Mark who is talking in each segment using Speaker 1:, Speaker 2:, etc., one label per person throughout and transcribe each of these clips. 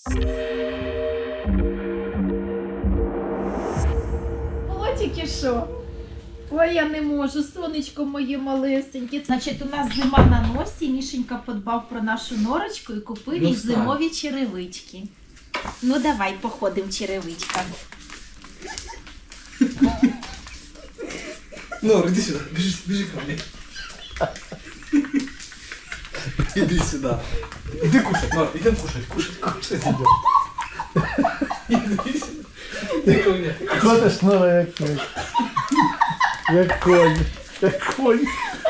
Speaker 1: Тільки що? Ой, я не можу, сонечко моє малесеньке. Значить, у нас зима на носі, Мішенька подбав про нашу норочку і купив їй зимові черевички. Ну давай, походимо черевичками.
Speaker 2: Нора, иди сюда, бежи ко мне. Иди сюда. Иди кушать, Нора, идем кушать идем. Иди сюда. Иди ко мне.
Speaker 3: Ходиш, Нора, як конь. Як конь. Як конь.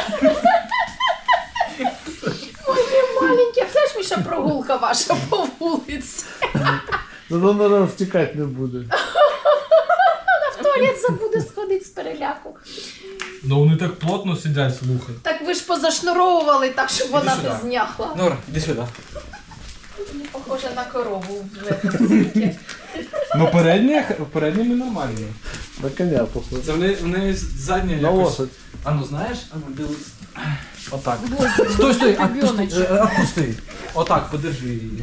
Speaker 1: Моє маленьке, це ж Міша прогулка ваша по вулиці.
Speaker 3: Ну, Нора втікати не буде.
Speaker 1: В туалет забуде сходити з переляку.
Speaker 2: Ну вони так плотно сидять, слухай.
Speaker 1: Так ви ж позашнуровували так, щоб вона
Speaker 2: сюди.
Speaker 1: не зняхла.
Speaker 2: Нора, иди сюда.
Speaker 1: Не похоже на корову в цирке.
Speaker 2: Ну передніми нормально.
Speaker 3: На коня, походу.
Speaker 2: Це в неї задня
Speaker 3: На
Speaker 2: якось...
Speaker 3: лошадь.
Speaker 2: А ну знаєш, а ну дивись. Отак.
Speaker 1: Боже,
Speaker 2: Стой,
Speaker 1: ребеночек.
Speaker 2: отпусти. Отак, подержи її.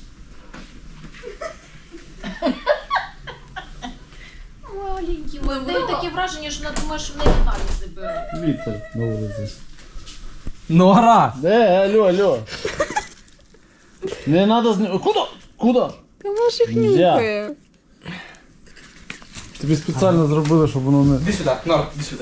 Speaker 1: Маленький. В неї таке враження, що вона думає, що в неї аналізи беруть.
Speaker 3: Вітер на вулиці.
Speaker 2: Нора!
Speaker 3: Алло. Не надо знімати. Куда?
Speaker 4: Та може їх
Speaker 3: Нельзя.
Speaker 4: нюхає.
Speaker 3: Тобі спеціально зробили, щоб воно не...
Speaker 2: Іди сюди, Нора, іди сюди.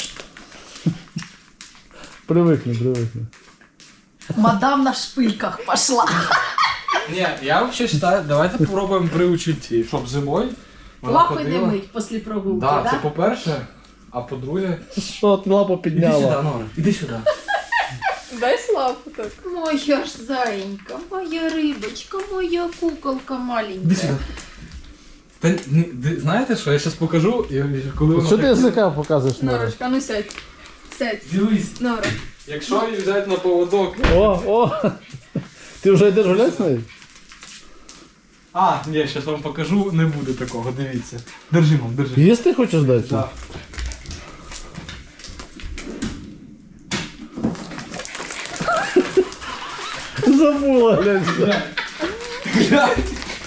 Speaker 3: Привикни.
Speaker 1: Мадам на шпильках пошла.
Speaker 2: Ні, я взагалі вважаю, давайте попробуємо приучити її, щоб зимою вона
Speaker 1: Лапи не
Speaker 2: ходила.
Speaker 1: мить після прогулки,
Speaker 2: Да,
Speaker 1: да?
Speaker 2: це по-перше, а по-друге...
Speaker 3: Що, ти лапу
Speaker 2: Іди сюди,
Speaker 3: підняла?
Speaker 2: Нора, іди сюди.
Speaker 4: Дай славу так.
Speaker 1: Моя ж заєнька, моя рибочка, моя куколка
Speaker 2: Іди
Speaker 1: маленька.
Speaker 2: сюди. Та, знаєте що, я зараз покажу, і коли вона
Speaker 3: Що ти
Speaker 2: так-
Speaker 3: язика показуєш, Нора?
Speaker 4: Норочка, ну сядь. Сядь.
Speaker 2: Дивись,
Speaker 4: Нора.
Speaker 2: якщо її взяти на поводок...
Speaker 3: О! Ти вже йдеш гуляти з нею?
Speaker 2: А, ні, зараз вам покажу, не буде такого, дивіться. Держи, мам, держи.
Speaker 3: Їсти хочеш дати?
Speaker 2: Так.
Speaker 3: Забула, глянь.
Speaker 2: Глянь.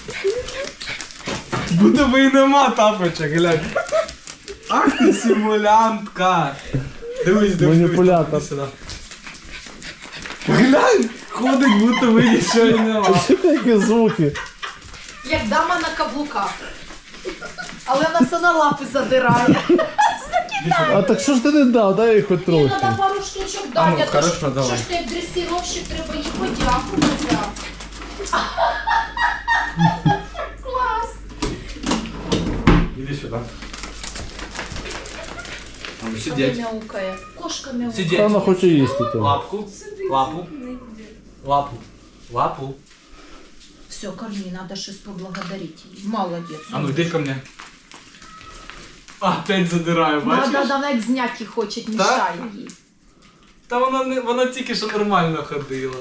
Speaker 2: Будто би і нема тапочок, глянь. Ах ти симулянтка. Дивись,
Speaker 3: Маніпулятор.
Speaker 2: іди сюди. Глянь, ходить, будто би нічого і нема.
Speaker 3: Що такі звуки?
Speaker 1: Як дама на каблуках. Але вона все на лапи задирає.
Speaker 3: А так що ж ти не дав? Дай їй хоч
Speaker 1: Мені
Speaker 3: трохи.
Speaker 1: треба пару штучок
Speaker 2: А ну,
Speaker 1: дати, а то
Speaker 2: хорошо, давай.
Speaker 1: що ж ти як дресіровщик, треба їй подякувати. Клас.
Speaker 2: Іди сюди.
Speaker 1: Вона
Speaker 2: Сидеть.
Speaker 1: мяукає. Кошка мяукає.
Speaker 2: Сидеть.
Speaker 3: Вона хоче їсти то.
Speaker 2: Лапку. Лапу. Лапу. Лапу.
Speaker 1: Все, корми, надо щось поблагодарити її. Молодець.
Speaker 2: А ну йди ко мне. Опять задираю, бачиш?
Speaker 1: Да, вона як зняти хоче, мішає їй.
Speaker 2: Та вона тільки що нормально ходила.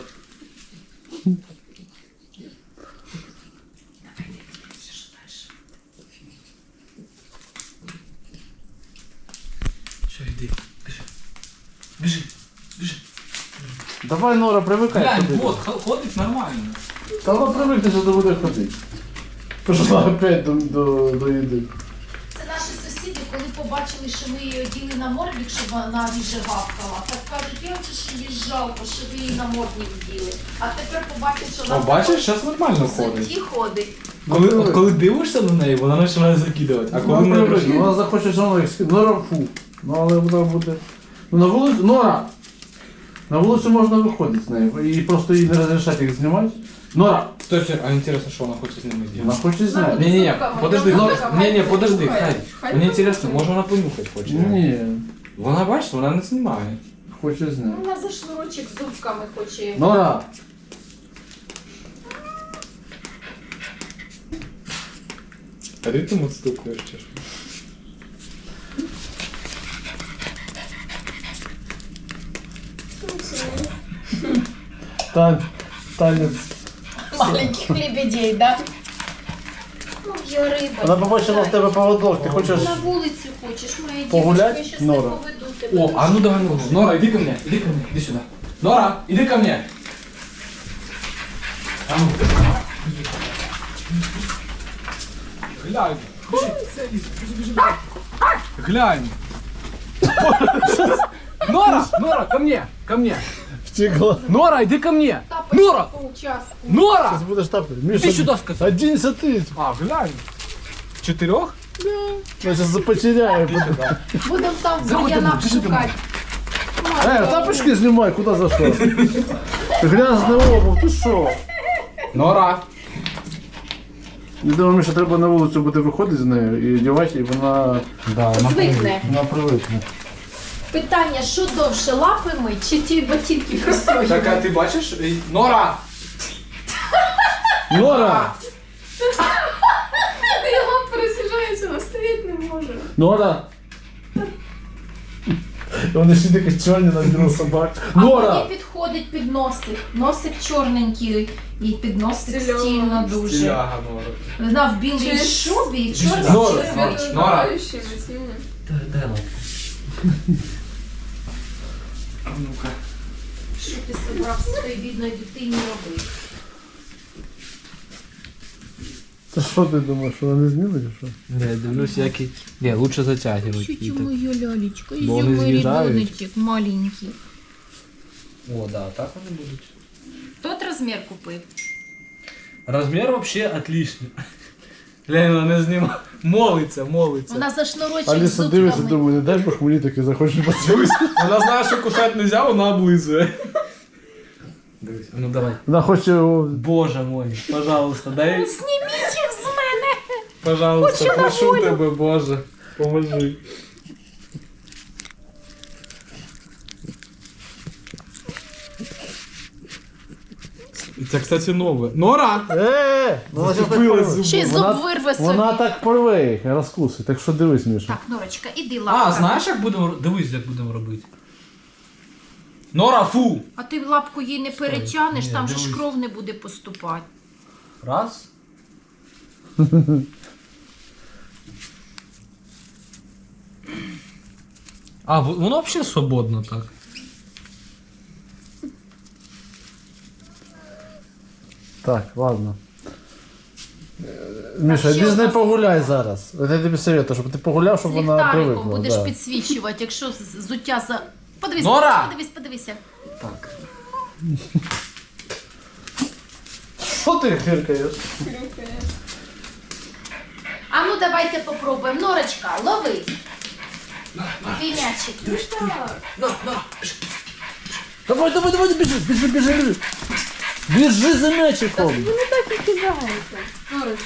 Speaker 2: Все, йди. Біжи. Біжи.
Speaker 3: Давай, Нора, привикай
Speaker 2: Глянь,
Speaker 3: ходити.
Speaker 2: вот, ходить нормально.
Speaker 3: Та вона привикне, що ти будеш ходити. Пішла опять до їди.
Speaker 1: Це наші сусіди, коли побачили, що ми її оділи на мордник, щоб вона ріже гавкала. Так кажуть, я хочу, що їй жалко, що ви її на мордник вділи. А тепер побачиш, що вона
Speaker 2: О, бачиш, зараз нормально
Speaker 1: в
Speaker 2: ходить.
Speaker 1: житті ходить.
Speaker 2: Коли дивишся на неї, вона починає закидувати. А коли
Speaker 3: Вона
Speaker 2: не
Speaker 3: привикне, вона захоче все одно їх скидати. Нора, фу. Ну, але вона буде... Ну, на вулицю... Нора! На вулицю можна виходити з нею. І просто їй не розрішати їх знімати. Нора!
Speaker 2: Стой, а интересно, что она хочет с ними
Speaker 3: Вона
Speaker 2: делать?
Speaker 3: хоче зняти.
Speaker 2: Не-не-не,
Speaker 1: Сука,
Speaker 2: подожди,
Speaker 1: моя
Speaker 2: Нора,
Speaker 1: сука,
Speaker 2: не-не,
Speaker 1: хай
Speaker 2: подожди,
Speaker 1: понюхає.
Speaker 2: хай.
Speaker 4: Хай
Speaker 2: Мне
Speaker 4: понюхає.
Speaker 2: интересно, може вона понюхать хоче?
Speaker 3: Ні,
Speaker 2: Вона, бачиш, вона не знімає.
Speaker 3: хоче зняти.
Speaker 1: Вона за шнурочок зубками хоче.
Speaker 3: Нора!
Speaker 2: А ритм отстукуєш чи що?
Speaker 3: Танець.
Speaker 1: Маленьких лебедей, да? Моя риба.
Speaker 3: Вона побачила в тебе поводок, ти хочеш...
Speaker 1: На вулицю хочеш, моя
Speaker 3: Погулять,
Speaker 1: дівчинка, я щас не
Speaker 3: Нора?
Speaker 1: поведу тебе.
Speaker 2: О, а ну давай, Нора. Нора, иди ко мне, иди сюда. Нора, иди ко мне. А ну. Глянь. Глянь. Нора, Нора, ко мне, ко мне.
Speaker 3: Втекла.
Speaker 2: Нора, иди ко мне.
Speaker 1: Тапочки
Speaker 2: Нора,
Speaker 1: по участку.
Speaker 2: Нора.
Speaker 3: Сейчас будешь тапать. Миша,
Speaker 2: Ты сюда сказал.
Speaker 3: 11 тысяч.
Speaker 2: А, глянь. 4?
Speaker 3: Я сейчас потеряю.
Speaker 1: Будемо там в
Speaker 2: Заходи
Speaker 1: бур'янах
Speaker 2: домой,
Speaker 1: шукати.
Speaker 3: Тапочки снимай, куда зашел? Грязная обувь, ты що?
Speaker 2: Нора.
Speaker 3: Я думаю, Міша, треба на вулицю буде виходити з нею і одягати, і вона
Speaker 1: Звикне.
Speaker 3: привикне.
Speaker 1: Питання, що довше, лапи мить чи ті ботинки простої?
Speaker 2: Так, а ти бачиш? Нора.
Speaker 3: Нора!
Speaker 4: Його пересіжається, вона стоїть не може.
Speaker 3: Нора! І вони ще такі чорні на білу собак.
Speaker 1: А
Speaker 3: Нора!
Speaker 1: мені підходить під носик. Носик чорненький і під носик
Speaker 4: Стильово.
Speaker 1: стільно дуже.
Speaker 2: Стиляга, Нора.
Speaker 1: Вона в білій
Speaker 4: Через-
Speaker 1: шубі і чорний
Speaker 3: Нора.
Speaker 1: черевички.
Speaker 4: Світлонагаючими цими.
Speaker 2: Ну-ка.
Speaker 1: Що ти собрав своїй бідної дитині робити?
Speaker 3: Та що ти думаєш, що вона не зніме чи що?
Speaker 2: Не, дивлюсь, який... Не, лучше затягивать.
Speaker 1: моя лялечка,
Speaker 2: Бо вони з'їжджають.
Speaker 1: ребеночек маленький.
Speaker 2: О, да, так вони будуть.
Speaker 1: Тот розмір купив.
Speaker 2: Розмір вообще отличний. Глянь, вона знімає. Молиться, молиться.
Speaker 1: Вона за шнурочок з
Speaker 3: Аліса дивиться,
Speaker 1: зубками.
Speaker 3: думаю, не дай Бог мені таки захоче поцілуйся.
Speaker 2: Вона знає, що кусати не можна, вона облизує. Дивись, ну давай.
Speaker 3: Вона хоче його...
Speaker 2: Боже мой, пожалуйста, дай,
Speaker 1: Зніміть їх з мене!
Speaker 2: пожалуйста,
Speaker 1: Хочу на
Speaker 2: прошу
Speaker 1: волю.
Speaker 2: тебе, Боже, поможи. І це, кстати, нове. Нора!
Speaker 3: Вона
Speaker 2: Зацепила зуби.
Speaker 1: Ще й зуб вирве собі.
Speaker 3: Вона так порве їх, розкусить, так що дивись, Міша.
Speaker 1: Так, Норочка, іди лапками.
Speaker 2: А, знаєш, як будемо, дивись, як будемо робити. Нора, фу!
Speaker 1: А ти лапку їй не перетягнеш,
Speaker 2: Ні,
Speaker 1: там же ж
Speaker 2: дивись.
Speaker 1: кров не буде поступати.
Speaker 2: Раз. А, воно взагалі свободно так.
Speaker 3: Так, ладно. Міша,
Speaker 1: ще
Speaker 3: іди з
Speaker 1: у
Speaker 3: нею
Speaker 1: нас-
Speaker 3: погуляй зараз. От я тобі советую, щоб ти погуляв, щоб
Speaker 1: З
Speaker 3: вона
Speaker 1: ліхтариком
Speaker 3: привикла.
Speaker 1: будеш
Speaker 3: Да.
Speaker 1: підсвічувати, якщо зуття за... Подивись,
Speaker 2: Нора!
Speaker 1: подивися.
Speaker 2: Так.
Speaker 3: Що ти хиркаєш?
Speaker 4: Хрюкає.
Speaker 1: А ну давайте попробуємо. Норочка, лови. Твій м'ячик.
Speaker 3: Давай, біжи. Біжи за м'ячиком.
Speaker 4: Вони так і кидаються. Норочка.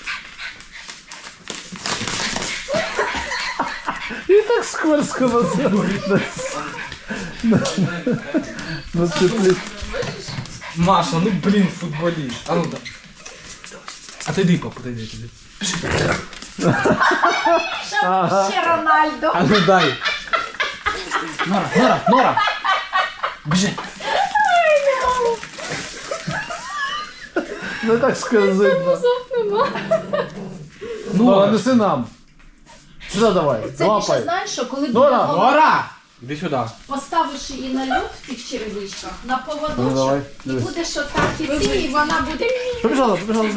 Speaker 3: І так скверсько на цеплі.
Speaker 2: Маша, ну блин, футболист. А ну да. Отойди, папа, отойди.
Speaker 1: Ще Рональдо.
Speaker 2: А ну дай. Нора. Бежи.
Speaker 3: Ну так скользить. Нора, неси нам. Сюди давай,
Speaker 1: Це більше
Speaker 3: лапай.
Speaker 1: знаєш, що коли
Speaker 3: Нора,
Speaker 1: буде
Speaker 2: Нора! Иди сюда.
Speaker 1: поставиш її на льот в цих черевичках, на
Speaker 3: Ну, давай,
Speaker 1: поводочок, і
Speaker 3: дивись.
Speaker 1: будеш отак іти, і вона буде...
Speaker 3: Побіжала.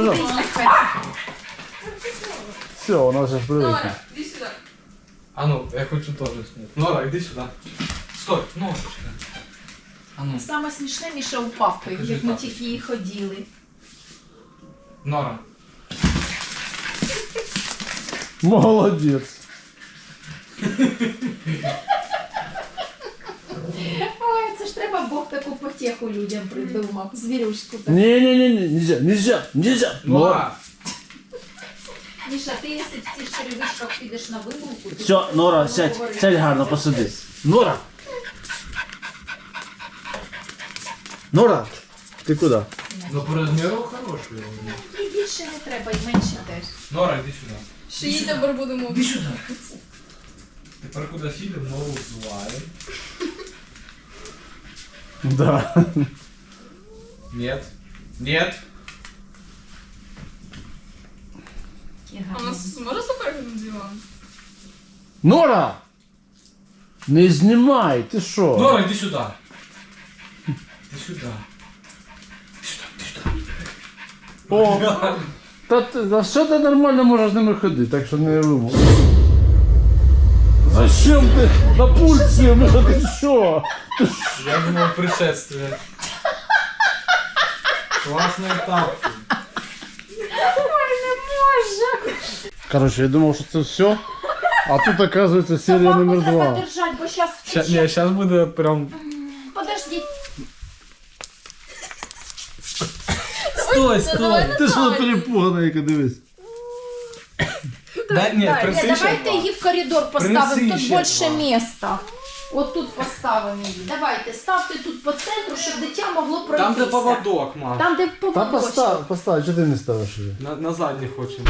Speaker 3: Все, вона зараз привикне.
Speaker 4: Нора, іди сюди.
Speaker 2: А ну, я хочу тоже снять. Нора, иди сюда. Стой, Нора. А ну,
Speaker 1: Саме смішне, Міша упав,
Speaker 2: Покажи
Speaker 1: як ми
Speaker 2: папочку.
Speaker 1: тільки її ходили.
Speaker 2: Нора.
Speaker 3: Молодець.
Speaker 1: Ой, це ж треба Бог таку потеху людям придумав. Звірюшку так.
Speaker 3: Не, нельзя.
Speaker 2: Нора.
Speaker 1: Міша, ти якщо в цих черевичках підеш на вигулку... ти
Speaker 3: Все, Нора,
Speaker 1: будеш
Speaker 3: сядь
Speaker 1: говорити.
Speaker 3: гарно, посиди. Нора, ти куди?
Speaker 2: Ну по размеру хороший.
Speaker 1: І більше не треба, і менше теж.
Speaker 2: Нора, иди сюда.
Speaker 4: Ще її тепер будемо.
Speaker 2: Иди сюда. Тепер куди сідемо, ногу взуваємо.
Speaker 3: Да.
Speaker 2: Нет. Нет.
Speaker 1: Які
Speaker 4: А у
Speaker 1: гарні.
Speaker 4: нас може суперник на диван?
Speaker 3: Нора! Не знімай, ти що?
Speaker 2: Нора, иди сюда. Иди сюда. Иди сюда, иди сюда.
Speaker 3: О, Та що ти нормально можеш ними ходити, так що не вимог. Зачем ти на пульсі? Ну ти що?
Speaker 2: Я думав пришествие. Класний тапки.
Speaker 1: Ой, не можу.
Speaker 3: Короче, я думав, що це все, а тут оказується серія
Speaker 1: Собаку
Speaker 3: номер
Speaker 1: треба
Speaker 3: 2.
Speaker 1: держати, бо зараз
Speaker 2: Ні, зараз буде прям...
Speaker 1: Подождіть.
Speaker 2: Стой!
Speaker 3: Ти що перепугана, яка дивись.
Speaker 2: Дай, ні, принеси ще
Speaker 1: Давайте
Speaker 2: два.
Speaker 1: її в коридор поставимо,
Speaker 2: Принеси
Speaker 1: тут
Speaker 2: ще
Speaker 1: більше
Speaker 2: два.
Speaker 1: міста. От тут поставимо її. Давайте, ставте тут по центру, щоб дитя могло пройтися.
Speaker 2: Там, де поводок, мам.
Speaker 1: Там, де
Speaker 3: Та
Speaker 1: поводочок.
Speaker 3: постав, чого ти не ставиш її?
Speaker 2: На задній хочемо.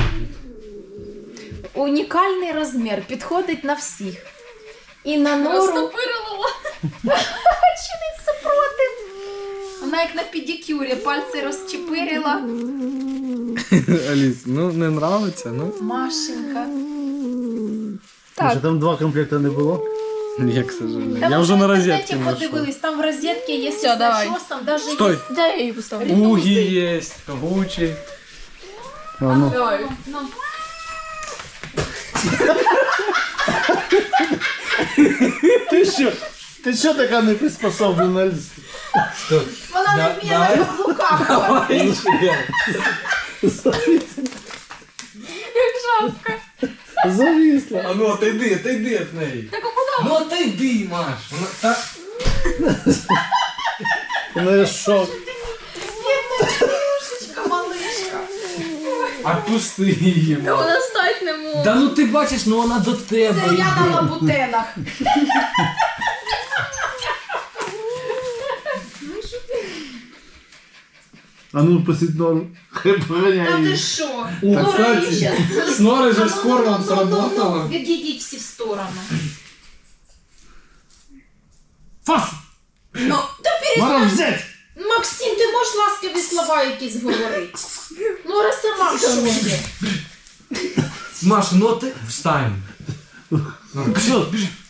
Speaker 1: Унікальний розмір, підходить на всіх. І на нору.
Speaker 4: Розтопирила.
Speaker 1: Чи не супротив? Вона як на педикюрі, пальці розчепирила.
Speaker 2: Аліс, ну не нравиться, ну?
Speaker 1: Машенька.
Speaker 3: Що там 2 комплекти не було?
Speaker 2: Ні, к сожалению.
Speaker 1: Там
Speaker 2: Я вже на розетки
Speaker 1: розетки
Speaker 2: знайшов.
Speaker 1: подивились, там в розетці є
Speaker 4: Всё, давай.
Speaker 1: там даже
Speaker 2: Стой.
Speaker 1: є.
Speaker 4: Дай я її поставлю.
Speaker 2: Угі є, Гучі.
Speaker 3: А, ну.
Speaker 4: Давай.
Speaker 1: Ну.
Speaker 3: Ти що така не приспособлена, Аліс?
Speaker 1: Вона не вміє на каблуках.
Speaker 2: Давай ще.
Speaker 4: Як жабка.
Speaker 3: Зависла.
Speaker 2: А ну отойди від неї.
Speaker 4: Так а куди?
Speaker 2: Ну отойди, Маш. Вона та...
Speaker 3: Вона є шок.
Speaker 1: Бідничка, малишка.
Speaker 2: Отпусти її,
Speaker 4: Та
Speaker 2: Маш.
Speaker 4: вона стать не може.
Speaker 2: Да ну ти бачиш, ну вона до тебе
Speaker 1: Це я на
Speaker 2: йде.
Speaker 1: лабутенах.
Speaker 3: А ну посидь нору. Хай поганяє
Speaker 1: Та ти
Speaker 3: її.
Speaker 1: що?
Speaker 2: О,
Speaker 1: Нора
Speaker 2: кстати,
Speaker 1: її щас-
Speaker 2: з Нори же з
Speaker 1: Ну,
Speaker 2: кормом
Speaker 1: ну, ну, ну,
Speaker 2: сработало.
Speaker 1: Відійдіть всі в сторону.
Speaker 3: Фас!
Speaker 1: Ну, та перестань.
Speaker 3: Мара взять!
Speaker 1: Максим, ти можеш ласкаві слова якісь говорити? Нора сама в шоці.
Speaker 2: Маш, ну ти встань.
Speaker 3: Що?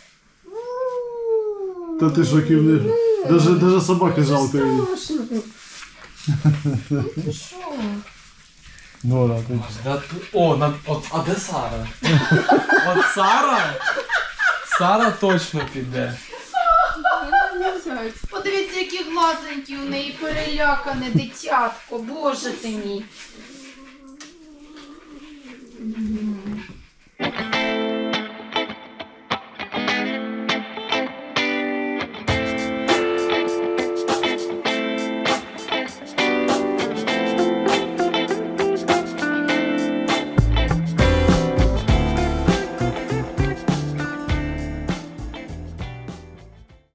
Speaker 3: Та ти шоківний. Даже собаки жалко її.
Speaker 1: Ти що?
Speaker 3: Нора, ти.
Speaker 2: Да ти... О, а де Сара? От Сара? Сара точно піде.
Speaker 4: Не взять.
Speaker 1: Подивіться, які глазенькі у неї перелякане дитятко, боже ти мій.